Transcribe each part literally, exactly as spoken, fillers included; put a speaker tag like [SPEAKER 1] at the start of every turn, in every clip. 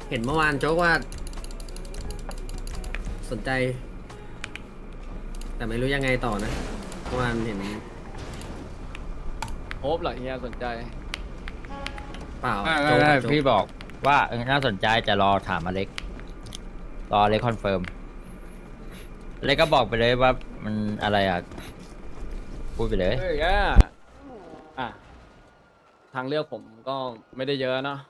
[SPEAKER 1] เห็นเมื่อวานโจ๊กว่า สนใจ แต่ไม่รู้ยังไงต่อนะเมื่อวานเห็น
[SPEAKER 2] โฮปเหรอเฮียสนใจ
[SPEAKER 1] เปล่า
[SPEAKER 3] ไม่
[SPEAKER 1] โจ๊
[SPEAKER 3] ไม่
[SPEAKER 1] ก
[SPEAKER 3] ไม่
[SPEAKER 1] อะโจ๊ก
[SPEAKER 3] พี่บอกว่าเออน่าสนใจจะรอถามอเล็กรออเล็กคอนเฟิร์มอเล็กก็บอกไปเลยว่ามันอะไรอ่ะพูดไปเลย
[SPEAKER 2] เอ้ยอ่ะอ่ะทางเลือกผมก็ไม่ได้เยอะเนาะ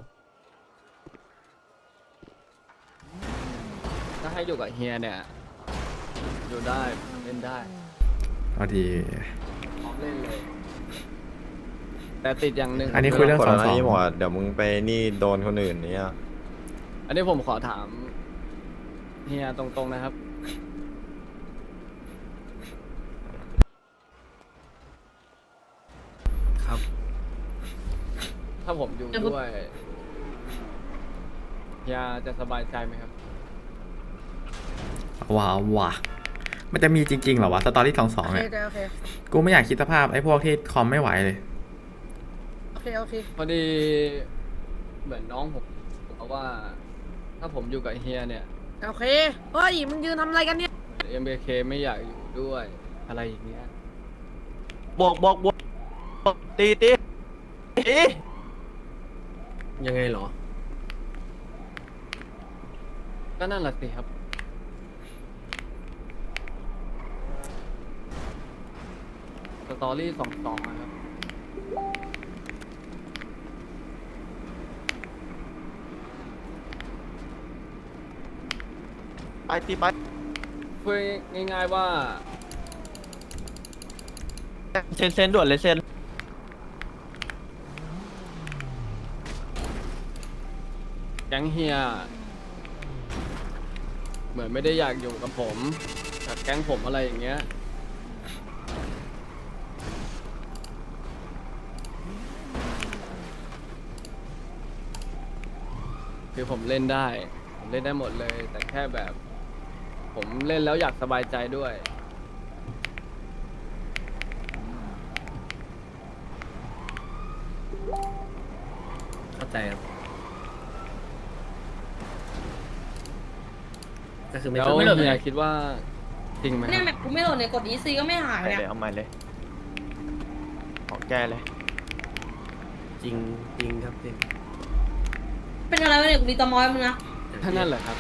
[SPEAKER 2] ถ้าให้อยู่กับเฮียเนี่ย อยู่ได้เล่นได้
[SPEAKER 4] พอดี
[SPEAKER 2] พร้อมเล่นเลย แต่ติดอย่างหนึ่ง
[SPEAKER 4] อันนี้คุยเรื่อง
[SPEAKER 5] กด
[SPEAKER 4] สอง
[SPEAKER 5] แล้ว
[SPEAKER 4] ส
[SPEAKER 5] นะ
[SPEAKER 4] อง
[SPEAKER 5] นี่หมดเดี๋ยวมึงไปนี่โดนคนอื่นเนี่ย
[SPEAKER 2] อันนี้ผมขอถามเฮียตรงๆนะครับ
[SPEAKER 1] ครับ
[SPEAKER 2] ถ้าผมอยู่ด้วยเฮียจะสบายใจไหมครับ
[SPEAKER 4] ว้าวว่ะมันจะมีจริงๆเหรอวะสตอรี่สองสอง
[SPEAKER 6] โอเค
[SPEAKER 4] เนี่ย
[SPEAKER 6] โอเค
[SPEAKER 4] กูไม่อยากคิดสภาพไอ้พวกที่คอมไม่ไหวเลย
[SPEAKER 6] โอเคโอเค
[SPEAKER 2] พอดีเหมือนน้องผมบอกว่า ถ้าผมอยู่กับเฮียเนี่ย
[SPEAKER 6] โอเคเฮ้ยมึงยืนทำอะไรกันเนี่ย
[SPEAKER 2] เอ็มเคไม่อยากอยู่ด้วยอะไรอย่างเงี้ย
[SPEAKER 7] บวกบวกบวกตีตีตี
[SPEAKER 1] ยังไงเหรอ
[SPEAKER 2] ก็นั่นแหละสิครับ สตอรี่สองสองนะครับ
[SPEAKER 7] ไปตีไป
[SPEAKER 2] พูดง่ายๆว่า
[SPEAKER 7] เซนเซนด่วนเลยเซน
[SPEAKER 2] แก๊งเฮีย เหมือนไม่ได้อยากอยู่กับผมกับแก๊งผมอะไรอย่างเงี้ย คือผมเล่นได้ ผมเล่นได้หมดเลย แต่แค่แบบ ผมเล่นแล้วอยากสบายใจด้วย
[SPEAKER 1] เข้าใจครับ ก็คือไม่
[SPEAKER 2] แล้ว
[SPEAKER 1] ต้องไม่หลุด
[SPEAKER 2] เฮี
[SPEAKER 1] เลย ย
[SPEAKER 2] คิดว่าจริงไหมค
[SPEAKER 8] เนี่ย
[SPEAKER 2] รับ
[SPEAKER 8] แมปกูไม่โหลดเนี่ยกดอีซีก็ไม่หาย
[SPEAKER 7] ไป
[SPEAKER 8] เนี่ย
[SPEAKER 7] เลยเอาใหม่เลยของแก้เลย
[SPEAKER 1] จริงจริงครับจริง
[SPEAKER 8] เป็นอะไรวะเนี่ยกูมีตอมอยมึงนะ
[SPEAKER 2] ท่านั่นแหละครับ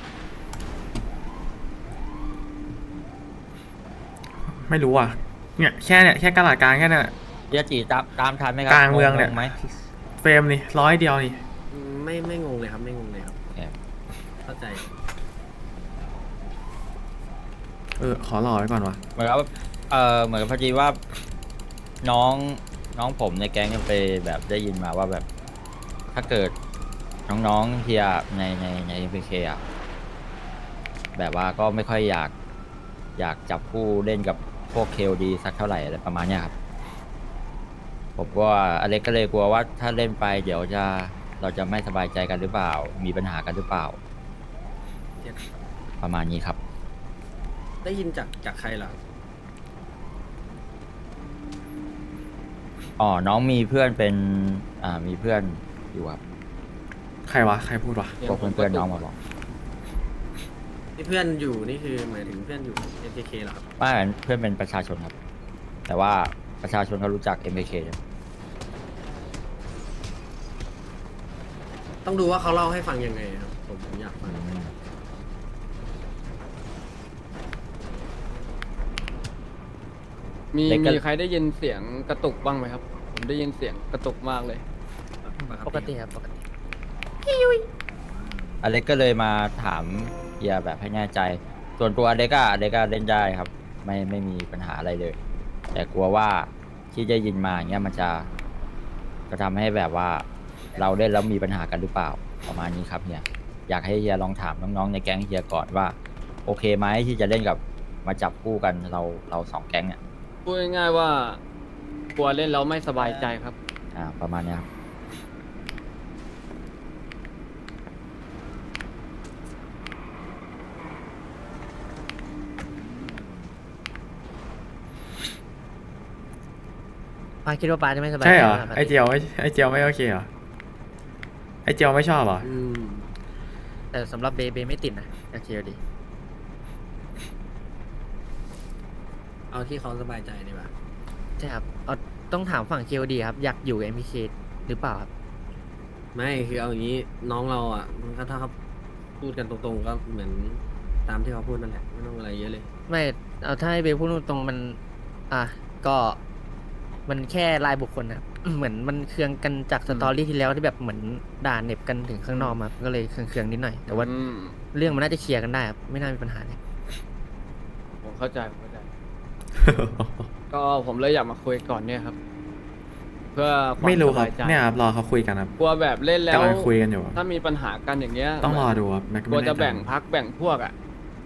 [SPEAKER 4] ไม่รู้อ่ะเนี่ยแค่เนี่ยแค่กระดาษกลางแค่เนี่ย
[SPEAKER 3] เดี๋ยวจีตามตามทันไหมครับ
[SPEAKER 4] กลางเมืองเนี่ย
[SPEAKER 3] ไหม
[SPEAKER 4] เฟรมนี่ร้อยเดียวนี่
[SPEAKER 1] ไม่ไม่งงเลยครับไม่งงเลยครับ
[SPEAKER 3] โอเค
[SPEAKER 1] เข้าใจ
[SPEAKER 4] เออขอรอไว้ก่อนวะ
[SPEAKER 3] เหมือนกับเออเหมือนกับพอดีว่าน้องน้องผมในแก๊งไปแบบได้ยินมาว่าแบบ ถ้าเกิดน้องๆเฮียในในในเอ็มพีเคอ่ะแบบว่าก็ไม่ค่อยอยากอยากจับคู่เล่นกับพวกเคลดีสักเท่าไหร่อะไรประมาณเนี้ยครับผมว่าอเล็กก็เลยกลัวว่าถ้าเล่นไปเดี๋ยวจะเราจะไม่สบายใจกันหรือเปล่า มีปัญหากันหรือเปล่า
[SPEAKER 1] เก็ต
[SPEAKER 3] ประมาณนี้ครับ
[SPEAKER 1] ได้ยินจากจากใครเหรอ
[SPEAKER 3] อ๋อ น้องมีเพื่อนเป็น อ่า มีเพื่อนอยู่ครับ
[SPEAKER 4] ใครวะใครพูดวะ
[SPEAKER 3] พวกเพื่อนๆน้องมาบอก
[SPEAKER 1] ที่เพื่อนอยู่นี่คือหมายถึงเพื่อนอยู่ เอ็ม เค เค เหรอครับ
[SPEAKER 3] ว่าเพื่อนเป็นประชาชนครับ แต่ว่าประชาชนเขารู้จัก เอ็ม เค ใช่ไหม
[SPEAKER 1] ต้องดูว่าเขาเล่าให้ฟังยังไงครับ ผมผมอยากฟัง
[SPEAKER 2] มีมีใครได้ยินเสียงกระตุกบ้างไหมครับ ผมได้ยินเสียงกระตุกมากเลย
[SPEAKER 1] ปกติครับปกติ
[SPEAKER 3] อเล็กก็เลยมาถามเฮียแบบให้แน่ใจ ส่วนตัวอเล็กอะอเล็กก็เล่นได้ครับ ไม่ไม่มีปัญหาอะไรเลย แต่กลัวว่าที่ได้ยินมาอย่างเงี้ยมันจะจะทำให้แบบว่าเราเล่นแล้วมีปัญหากันหรือเปล่า ประมาณนี้ครับเฮีย อยากให้เฮียลองถามน้องๆในแก๊งเฮียก่อนว่า โอเคไหมที่จะเล่นกับมาจับคู่กันเราเราสองแก๊งเนี่ย
[SPEAKER 2] พูดง่ายๆว่ากลัวเล่นแล้วไม่สบายใจครับ
[SPEAKER 3] อ่า ประมาณเนี้ยครับ
[SPEAKER 9] ป้าคิดว่าป้าจะไม่สบาย
[SPEAKER 4] ใช่เหรอ
[SPEAKER 9] ใจ
[SPEAKER 4] ไอเจียวไม่ไอเจียวไม่โอเคเหรอไอเจียวไม่ชอบเหรอ
[SPEAKER 1] อืม
[SPEAKER 9] แต่สำหรับเบเบไม่ติดนะโอเคดี
[SPEAKER 1] เอาที่เขาสบายใจดีกว่า
[SPEAKER 9] ใช่ครับเอาต้องถามฝั่งเคดีครับ อยากอยู่ เอ็ม พี เค หรือเปล่าครับ
[SPEAKER 1] ไม่คือเอาอย่างนี้น้องเราอ่ะมันก็ถ้าเขาพูดกันตรงๆก็เหมือนตามที่เขาพูดนั่นแหละไม่ต้องอะไรเยอะเลย
[SPEAKER 9] ไม่เอาถ้าให้เบพูดตรงๆมัน อ่ะก็มันแค่รายบุคคลนะครับ เหมือนมันเคืองกันจากสตอรี่ที่แล้วที่แบบเหมือนด่าเหน็บกันถึงข้างนอกมาก็เลยเคืองๆนิดหน่อย แต่ว่า
[SPEAKER 2] อืม
[SPEAKER 9] เรื่องมันน่าจะเคลียร์กันได้ครับไม่น่ามีปัญหาเลย
[SPEAKER 2] ผมเข้าใจผมเข้าใจ ก็ผมเลยอยากมาคุยก่อนเนี่ยครับ เพื่อความ
[SPEAKER 4] ไม่รู้
[SPEAKER 2] ส
[SPEAKER 4] ครับ
[SPEAKER 2] บายใจ
[SPEAKER 4] เนี่ยครับรอเขาคุยกันครับ
[SPEAKER 2] กลัวแบบเล่นแล้ว
[SPEAKER 4] กำลังคุยกันอยู่ครับ
[SPEAKER 2] ถ้ามีปัญหากันอย่างเงี้ย
[SPEAKER 4] ต้องรอดูครับแม็ก
[SPEAKER 2] กลัว
[SPEAKER 4] ไม่
[SPEAKER 2] จะ
[SPEAKER 4] แน่ใจ
[SPEAKER 2] แบ่งพักแบ่งพวกอ่ะ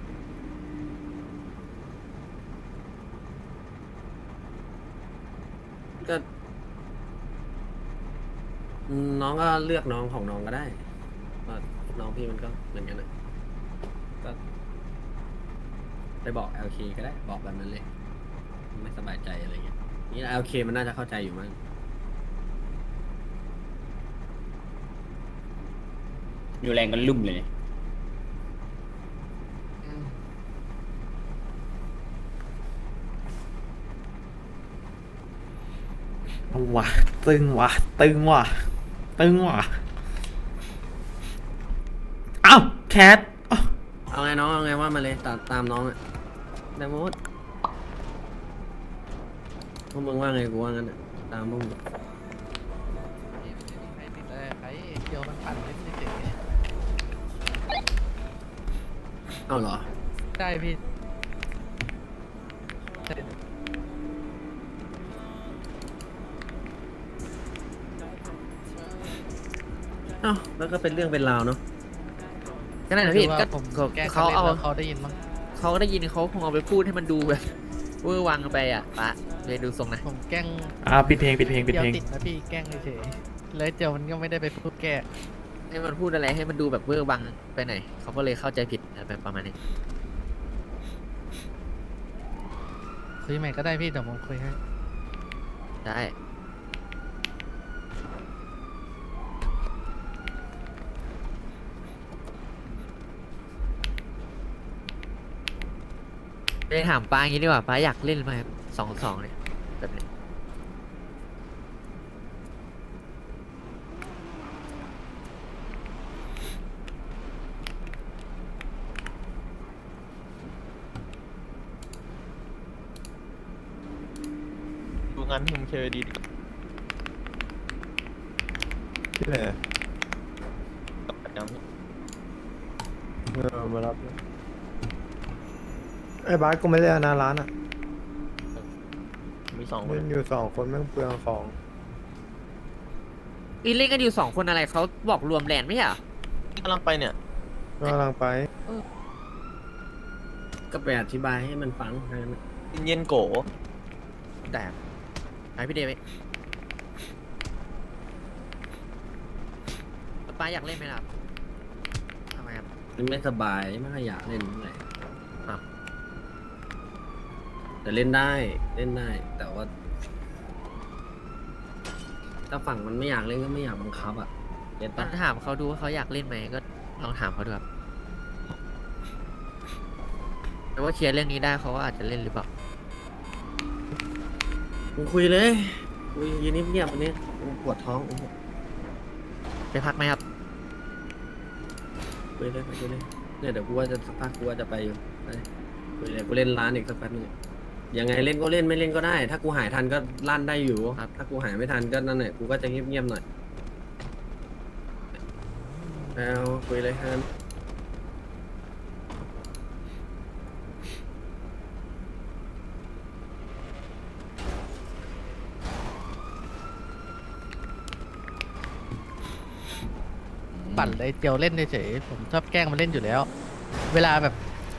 [SPEAKER 1] ก็อืมน้องก็เลือกน้องของน้องก็ได้ว่าน้องพี่มันก็เหมือนกันนะก็ไปบอก แอล เค ก็ได้ บอกแบบนั้นเลย ไม่สบายใจอะไรเงี้ยนี่ แอล เค มันน่าจะเข้าใจอยู่มั้ง
[SPEAKER 10] อยู่แรงกันลุ่มเลย
[SPEAKER 4] ว่ะตึงว่ะตึงว่ะตึงว่ะเอ้าแคทอ้าว
[SPEAKER 1] เอาไงน้องเอาไงว่ามาเลยตามตามน้องอะได้หมดพวกมึงว่าไงกูว่างั้นอะตามพวกมึงเอาเหรอ
[SPEAKER 6] ได้พี่
[SPEAKER 1] เอ้าแล้วก็เป็นเรื่องเป็นราวเนาะ
[SPEAKER 9] ก็นั่นแหละพี่ก็เขาเอา
[SPEAKER 6] เขาได้ยินมั้ง
[SPEAKER 9] เขาก็ได้ยินเขาคงเอาไปพูดให้มันดูแบบเวอร์วังไปอ่ะปะเลยดูทรงนะ
[SPEAKER 6] ผมแกล้ง
[SPEAKER 4] อ่าปิดเพลงปิดเพลงปิด
[SPEAKER 6] เจียว
[SPEAKER 4] เพลง
[SPEAKER 6] ติดนะพี่แกล้งเฉยๆแล้วเจียวมันก็ไม่ได้ไปพูดแก้
[SPEAKER 9] ให้มันพูดอะไรให้มันดูแบบเวอร์วังไปหน่อยเขาก็เลยเข้าใจผิดแบบประมาณนี้
[SPEAKER 6] คุยใหม่ก็ได้พี่เดี๋ยวผมคุยให้
[SPEAKER 9] ได้ไปถามป้าอย่างนี้ดีกว่าป้าอยากเล่นไหมครับสองสองเนี่ยแบบนี้
[SPEAKER 7] ดูงานทีมเคดี
[SPEAKER 5] ที่ไหน
[SPEAKER 7] ยัง
[SPEAKER 5] เออมารับเลยไอ้บาสกูไม่ได้หน้าร้านอ่ะ
[SPEAKER 7] มีสองคน
[SPEAKER 5] เล่นอยู่สองคนแม่งเปลืองของ
[SPEAKER 9] อีเล่นกันอยู่สองคนอะไรเขาบอกรวมแลนด์ไม่ใช่เหรอก
[SPEAKER 7] ำลังไปเนี่ย
[SPEAKER 5] ก็กำลังไป
[SPEAKER 1] ก็ไปอธิบายให้มันฟังแค่นั้นนะ
[SPEAKER 7] เย็นโก
[SPEAKER 9] แต่ไอพี่เดวิดป้าอยากเล่นไหมล่ะทำไมครับ
[SPEAKER 1] มันไม่สบายไม่ค่อยอยากเล่นเท่าไหร่
[SPEAKER 9] อ้าว
[SPEAKER 1] แต่เล่นได้เล่นได้ แต่ว่า ถ้าฝั่งมันไม่อยากเล่นก็ไม่อยากบังคับอ่ะเก็ต
[SPEAKER 9] ต้อ
[SPEAKER 1] ปะ
[SPEAKER 9] งถามเขาดูว่าเขาอยากเล่นไหมก็ลองถามเขาดูครับแต่ว่าเคลียร์เรื่องนี้ได้เขาก็อาจจะเล่นหรือเปล่า
[SPEAKER 1] มึงคุยเลยคุยยืนเงียบๆวันนี้กูปวดท้อง
[SPEAKER 9] ไปพักไหมครับ
[SPEAKER 1] คุยเลยคุยเลยเนี่ยเดี๋ยวกูว่าจะสักพักกูว่าจะไปอยู่ไปคุยเลยกูเล่นร้านอีกสักแป๊บนึงยังไงเล่นก็เล่นไม่เล่นก็ได้ ถ้ากูหายทันก็ลั่นได้อยู่
[SPEAKER 9] ครับ
[SPEAKER 1] ถ้ากูหายไม่ทันก็นั่นแหละกูก็จะเงียบๆหน่อยเอาคุยเลยฮัน
[SPEAKER 6] ปั่นเลยเจียวเล่นเฉยๆผมชอบแกล้งมันเล่นอยู่แล้ว เวลาแบบ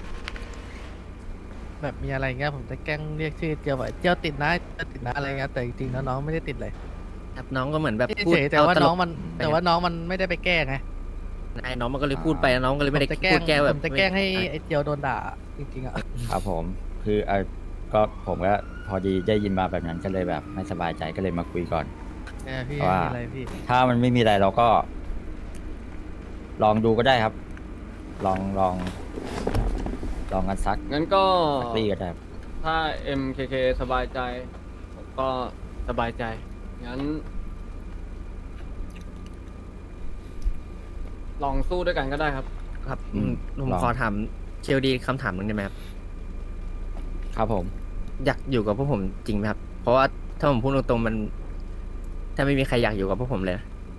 [SPEAKER 6] แบบมีอะไรเงี้ยผมจะแกล้งเรียกชื่อเจียวว่าเจียวติดนะเจียวติดนะอะไรเงี้ยแต่จริงๆแล้วน้องไม่ได้ติดเลย
[SPEAKER 9] ครับน้องก็เหมือนแบบพูด
[SPEAKER 6] เฉยๆแต่ว่า
[SPEAKER 9] เตลก
[SPEAKER 6] น้องมันแต่ว่าน้องมันไม่ได้ไปแกล้งไง
[SPEAKER 9] ไอ้น้องมันก็เลยพูดไปน้องก็เลยไม่ได้
[SPEAKER 6] ผมจะแกล้
[SPEAKER 9] พู
[SPEAKER 6] ง
[SPEAKER 9] ดแก้แบ
[SPEAKER 6] ผ
[SPEAKER 9] บ
[SPEAKER 6] มจะแกล้งให้ไอ้เจียวโดนด่าจริงๆอ่ะ
[SPEAKER 3] ครับผมคือเออก็ผมก็พอดีได้ยินมาแบบนั้นก็เลยแบบไม่สบายใจก็เลยมาคุยก่อน
[SPEAKER 6] เออพี่
[SPEAKER 3] ว่า
[SPEAKER 6] ไม่มีอะไรพี่
[SPEAKER 3] ถ้ามันไม่มีอะไรเราก็ ลองดูก็ได้ครับลองลองลองกันสัก
[SPEAKER 2] งั้นก็
[SPEAKER 3] สักปีก็ได้
[SPEAKER 2] ถ้า เอ็ม เค เค สบายใจ ผมก็สบายใจ งั้น ลองสู้ด้วยกันก็ได้ครับ
[SPEAKER 9] ครับ
[SPEAKER 3] อืม
[SPEAKER 9] ผม
[SPEAKER 3] ลอง
[SPEAKER 9] ขอถามเคลดีคำถามหนึ่งได้ไหมครับ
[SPEAKER 3] ครับผม
[SPEAKER 9] อยากอยู่กับพวกผมจริงไหมครับ เพราะว่าถ้าผมพูดตรงๆมัน ถ้าไม่มีใครอยากอยู่กับพวกผมเลยนะ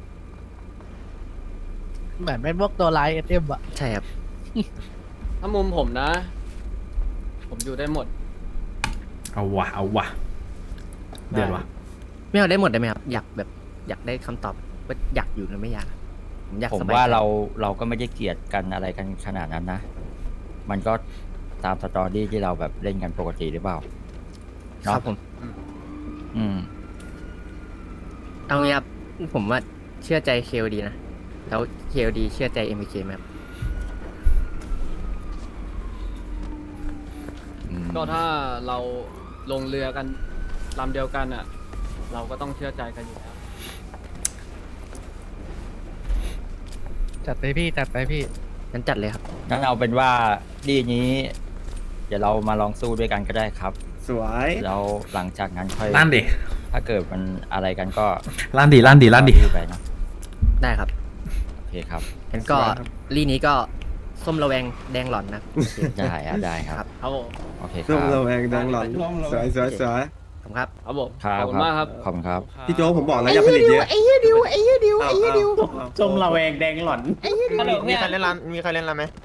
[SPEAKER 6] เหมือนเป็นพวกตัวร้ายเอสเอ็มอะ
[SPEAKER 9] ใช่ครับ
[SPEAKER 2] ถ้ามุมผมนะ ผมอยู่ได้หมด
[SPEAKER 4] เอาวะเอาวะเดือดวะ
[SPEAKER 9] ไม่เอาได้หมดได้ไหมครับ อยากแบบอยากได้คำตอบว่าอยากอยู่หรือไม่อยากผมอยาก
[SPEAKER 3] ผม
[SPEAKER 9] สบาย
[SPEAKER 3] ว่า
[SPEAKER 9] ใจ
[SPEAKER 3] เราเราก็ไม่ได้เกลียดกันอะไรกันขนาดนั้นนะ มันก็ตามสตอรี่ที่เราแบบเล่นกันปกติหรือเปล่า
[SPEAKER 9] ครับผม
[SPEAKER 3] อืม
[SPEAKER 9] เอางี้ครับผมว่าเชื่อใจเคลดีนะ แล้วเคลดีเชื่อใจเอ็มเคไหมครับ
[SPEAKER 3] อืม
[SPEAKER 2] ก็ถ้าเราลงเรือกันลำเดียวกันอ่ะ เราก็ต้องเชื่อใจกันอยู่แล้ว
[SPEAKER 6] จัดไปพี่จัดไปพี่
[SPEAKER 9] งั้นจัดเลยครับ
[SPEAKER 3] งั้นเอาเป็นว่าดีนี้ เดี๋ยวเรามาลองสู้ด้วยกันก็ได้ครับ
[SPEAKER 7] สวย
[SPEAKER 3] แล้วหลังจากนั้นค่อย
[SPEAKER 4] ลั่นดิ
[SPEAKER 3] ถ้าเกิดมันอะไรกันก็
[SPEAKER 4] ลั่นดิลั่นดิลั่นดิ
[SPEAKER 3] ก็ไปเนาะ
[SPEAKER 9] ได้ครับ
[SPEAKER 3] โอเคครับ
[SPEAKER 9] งั้นก็ลี่นี้ก็ส้มระแวงแดงหล่อนนะ
[SPEAKER 3] ได้อะได้ครับ
[SPEAKER 9] ครับ
[SPEAKER 2] ครับผม
[SPEAKER 3] โอเคค
[SPEAKER 7] ร่
[SPEAKER 3] รั
[SPEAKER 7] ม
[SPEAKER 3] บ
[SPEAKER 7] ระแวงดังหลอนสวยสวยสวย
[SPEAKER 9] ผมครับ
[SPEAKER 2] ครับผม
[SPEAKER 3] ครับ
[SPEAKER 2] ขอบคุณมากครับ
[SPEAKER 3] ขอบคุณครับ
[SPEAKER 7] พี่โจ๊กผมบอกแล้วอย่าผลิตเยอะไอ้เหี้ยดิวไอ้เหี้ยดิวไอ้เหี้ยดิว
[SPEAKER 10] จมระแวงแดงหล่อน
[SPEAKER 7] มีใครเล่นร้านมีใครเล่นร้านไหม